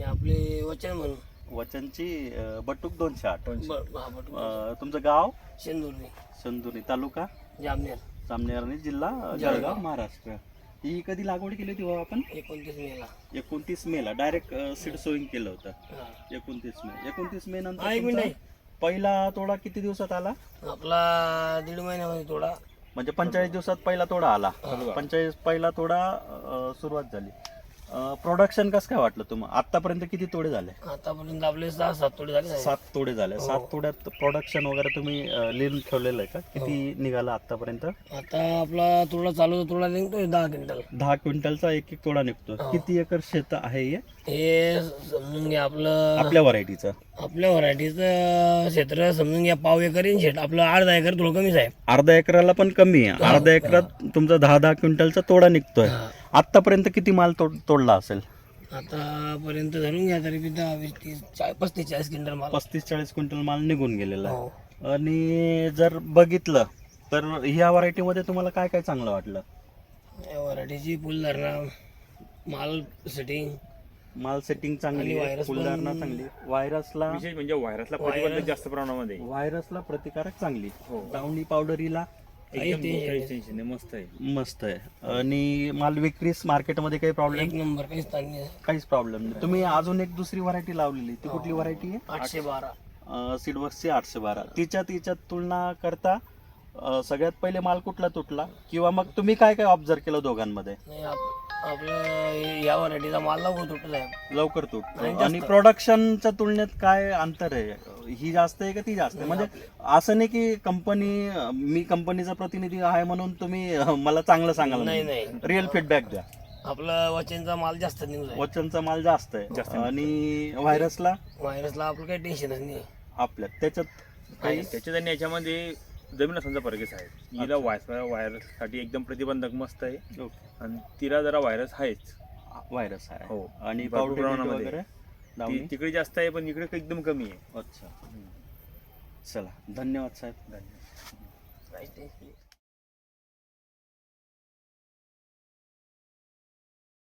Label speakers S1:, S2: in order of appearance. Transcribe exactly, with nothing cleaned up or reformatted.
S1: हे आपले वचन म्हणून
S2: वचनची अं, बटूक दोनशे आठ.
S1: ब- हा, बटू.
S2: अं, तुमचं गाव
S1: शेंदुर्णी,
S2: संदुरी, तालुका
S1: जामनेर.
S2: जामनेर आणि जिल्हा अं,
S1: जळगाव.
S2: जळगाव, महाराष्ट्र. ही कधी लागवड केली होती बाबा आपण?
S1: एकोणतीस मेला.
S2: एकोणतीस मे ला डायरेक्ट सीड सोईंग केलं होतं.
S1: हा.
S2: एकोणतीस मे एकोणतीस मे नंतर
S1: हा, एक
S2: तुमचा
S1: मिनिट
S2: पहिला तोडा किती दिवसात आला?
S1: आपला दीड महिन्यामध्ये थोडा
S2: म्हणजे पंचेचाळीस दिवसात पहिला तोडा आला. पंचेचाळीस पहिला तोडा अं, सुरुवात झाली. प्रोडक्शन कसं काय वाटलं तुम्हाला? आतापर्यंत किती तोडे झाले?
S1: आतापर्यंत आपले सहा सात तोडे झाले साहेब.
S2: सात तोडे झाले.
S1: हो.
S2: सात तोड्यात प्रोडक्शन वगैरे तुम्ही अं, लिहून ठेवलेलं आहे का? किती निघाला आतापर्यंत?
S1: आता आपला तोडा चालू होता, तोडा निघतोय दहा क्विंटल.
S2: दहा क्विंटलचा एक एक तोडा निघतो.
S1: हो.
S2: किती एकर शेत आहे हे
S1: हे समजून घ्या आपलं
S2: आपल्या व्हरायटीचं?
S1: आपल्या व्हरायटीचं क्षेत्र समजून घ्या पाव एकर इन शेट. आपलं अर्धा एकर थोडं कमीच आहे.
S2: अर्धा एकराला पण कमी आहे.
S1: हो.
S2: अर्धा एकरात तुमचा दहा दहा क्विंटलचा तोडा निघतोय.
S1: हा.
S2: आतापर्यंत किती माल तोड तोडला असेल?
S1: आतापर्यंत धरून घ्या तरी बी दहा वीस तीस चाळीस पस्तीस चाळीस क्विंटल माल.
S2: पस्तीस चाळीस क्विंटल माल निघून गेलेला आहे.
S1: हो.
S2: आणि जर बघितलं तर ह्या व्हरायटीमध्ये तुम्हाला काय काय चांगलं वाटलं?
S1: या व्हरायटीची फुलधारणा, माल सेटिंग,
S2: माल सेटिंग चांगली
S1: आणि
S2: आहे,
S1: व्हायरस
S2: फुलधारणा
S1: पण-
S2: चांगली, व्हायरसला
S3: विशेष म्हणजे व्हायरसला प्रतिबंधक जास्त प्रमाणामध्ये आहे.
S2: व्हायरसला प्रतिकारक चांगली,
S3: हो.
S2: डावणी पावडरीला
S1: काही
S3: एकदम
S1: ते-
S3: काहीच टेन्शन नाही, मस्त आहे.
S2: मस्त आहे. आणि माल विक्रीस मार्केटमध्ये काही प्रॉब्लेम?
S1: एक नंबर काहीच ताण नाही.
S2: काहीच प्रॉब्लेम नाही. तुम्ही अजून एक दुसरी व्हरायटी लावलेली, ती कुठली व्हरायटी आहे?
S1: आठशे बारा.
S2: सीडवर्क्सची आठशे बारा. तिच्या तिच्यात तुलना करता अं, सगळ्यात पहिले माल कुठला तुटला, किंवा मग तुम्ही काय काय ऑब्झर्व केलं दोघांमध्ये?
S1: नाही आप- आपलं हे- या व्हरायटीचा माल लवकर तुटत आहे.
S2: लवकर तुटतो.
S1: आणि
S2: आणि
S1: जास्त.
S2: प्रोडक्शनच्या तुलनेत काय अंतर आहे? ही जास्त आहे का ती जास्त आहे? म्हणजे असं नाही की कंपनी, मी कंपनीचा प्रतिनिधी आहे म्हणून तुम्ही अं, मला चांगलं सांगाल.
S1: नाही नाही
S2: रिअल फीडबॅक द्या.
S1: आपलं वचनचा माल जास्त न्यूज आहे.
S2: वचनचा माल जास्त आहे.
S3: जास्त
S2: आणि व्हायरसला
S1: व्हायरसला आपलं काही टेन्शनच नाही.
S2: आपल्यात त्याच्यात काही
S3: त्याच्यात आणि याच्यामध्ये जमीन समजा फरकच आहे. हिला व्हायरस व्हायरससाठी एकदम प्रतिबंधक मस्त आहे,
S2: ओके.
S3: आणि तिला जरा व्हायरस आहेच.
S2: व्हायरस आहे.
S3: हो.
S2: आणि
S3: भरपूर
S2: पावडर
S3: प्रमाणामध्ये.
S2: वगैरे
S3: ती
S2: लावणी?
S3: तिकडे जास्त आहे पण इकडे एकदम कमी आहे.
S2: अच्छा. चला, धन्यवाद साहेब.
S3: धन्यवाद.
S1: काहीच टेन्शन नाही.